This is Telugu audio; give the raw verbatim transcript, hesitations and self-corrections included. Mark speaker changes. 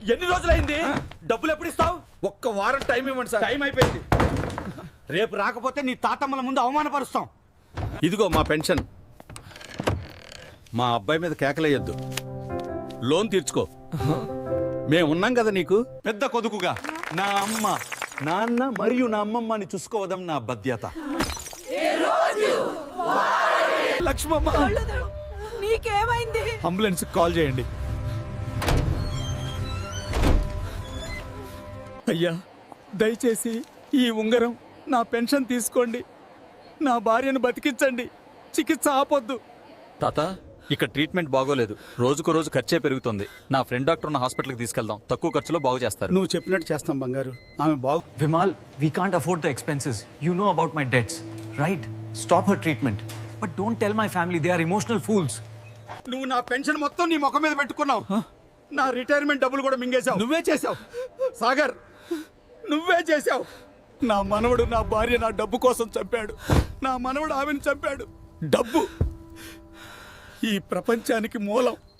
Speaker 1: ఎన్ని రోజులైంది? డబ్బులు ఎప్పుడు ఇస్తావు?
Speaker 2: ఒక్క వారం టైం ఇవ్వండి సార్.
Speaker 1: టైం అయిపోయింది. రేపు రాకపోతే నీ తాతమ్మల ముందు అవమానపరుస్తాం.
Speaker 2: ఇదిగో మా పెన్షన్. మా అబ్బాయి మీద కేకలేయొద్దు, లోన్ తీర్చుకో. మేము ఉన్నాం కదా నీకు.
Speaker 1: పెద్ద కొదుకుగా నా అమ్మ, నాన్న మరియు నా అమ్మమ్మని చూసుకోవడం నా బాధ్యత. లక్ష్మమ్మ,
Speaker 3: నీకేమైంది?
Speaker 1: అంబులెన్స్ కాల్ చేయండి. అయ్యా, దయచేసి ఈ ఉంగరం, నా పెన్షన్ తీసుకోండి. నా భార్యను బతికించండి. చికిత్స ఆపొద్దు.
Speaker 4: తాత, ఇక్కడ ట్రీట్మెంట్ బాగోలేదు. రోజుకు రోజు ఖర్చే పెరుగుతుంది. నా ఫ్రెండ్ డాక్టర్ ఉన్న హాస్పిటల్కి తీసుకెళ్దాం, తక్కువ ఖర్చులో బాగు చేస్తారు.
Speaker 1: నువ్వు చెప్పినట్టు చేస్తాం బంగారు. ఆమె బాగు.
Speaker 5: Vimal, we can't afford the expenses. You know about my debts, right? Stop her treatment. But don't tell my family, they are emotional fools.
Speaker 1: నువ్వు నా పెన్షన్ మొత్తం నీ ముఖం మీద పెట్టుకున్నావు. నా రిటైర్మెంట్ డబ్బులు కూడా మింగేశావు. నువ్వే చేశావు సాగర్, నువ్వే చేశావు. నా మనవడు నా భార్య నా డబ్బు కోసం చంపాడు. నా మనవడు ఆమెను చంపాడు. డబ్బు ఈ ప్రపంచానికి మూలం.